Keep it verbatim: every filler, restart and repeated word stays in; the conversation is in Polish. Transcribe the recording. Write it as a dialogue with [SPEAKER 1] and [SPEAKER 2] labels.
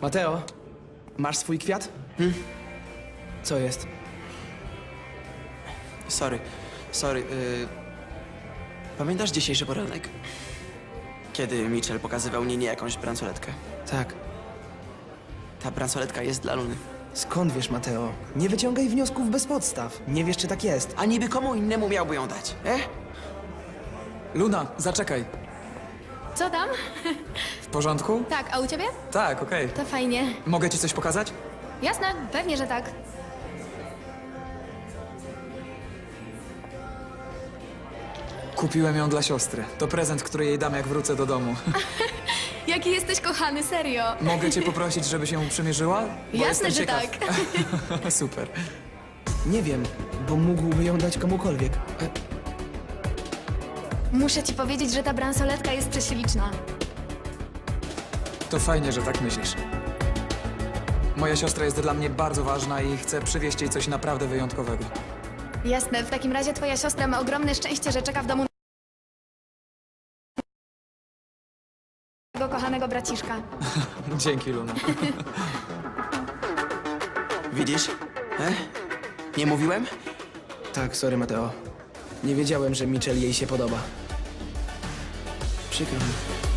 [SPEAKER 1] Mateo, masz swój kwiat?
[SPEAKER 2] Hmm?
[SPEAKER 1] Co jest?
[SPEAKER 2] Sorry, sorry. Yy... Pamiętasz dzisiejszy poranek? Kiedy Mitchell pokazywał Ninie jakąś bransoletkę.
[SPEAKER 1] Tak.
[SPEAKER 2] Ta bransoletka jest dla Luny.
[SPEAKER 1] Skąd wiesz, Mateo? Nie wyciągaj wniosków bez podstaw. Nie wiesz, czy tak jest.
[SPEAKER 2] A niby komu innemu miałby ją dać, e?
[SPEAKER 3] Luna, zaczekaj.
[SPEAKER 4] Co tam?
[SPEAKER 3] W porządku?
[SPEAKER 4] Tak, a u ciebie?
[SPEAKER 3] Tak, okej.
[SPEAKER 4] To fajnie.
[SPEAKER 3] Mogę ci coś pokazać?
[SPEAKER 4] Jasne, pewnie, że tak.
[SPEAKER 3] Kupiłem ją dla siostry. To prezent, który jej dam, jak wrócę do domu.
[SPEAKER 4] Jaki jesteś kochany, serio.
[SPEAKER 3] Mogę cię poprosić, żebyś ją przymierzyła? Bo
[SPEAKER 4] Jasne,
[SPEAKER 3] jestem
[SPEAKER 4] że
[SPEAKER 3] ciekaw.
[SPEAKER 4] tak.
[SPEAKER 3] Super.
[SPEAKER 1] Nie wiem, bo mógłby ją dać komukolwiek. E,
[SPEAKER 4] Muszę ci powiedzieć, że ta bransoletka jest prześliczna.
[SPEAKER 3] To fajnie, że tak myślisz. Moja siostra jest dla mnie bardzo ważna i chcę przywieźć jej coś naprawdę wyjątkowego.
[SPEAKER 4] Jasne, w takim razie twoja siostra ma ogromne szczęście, że czeka w domu tego kochanego braciszka.
[SPEAKER 3] Dzięki, Luna.
[SPEAKER 2] Widzisz? E? Nie mówiłem?
[SPEAKER 1] tak, sorry, Mateo. Nie wiedziałem, że Mitchell jej się podoba.
[SPEAKER 2] Przykro mi.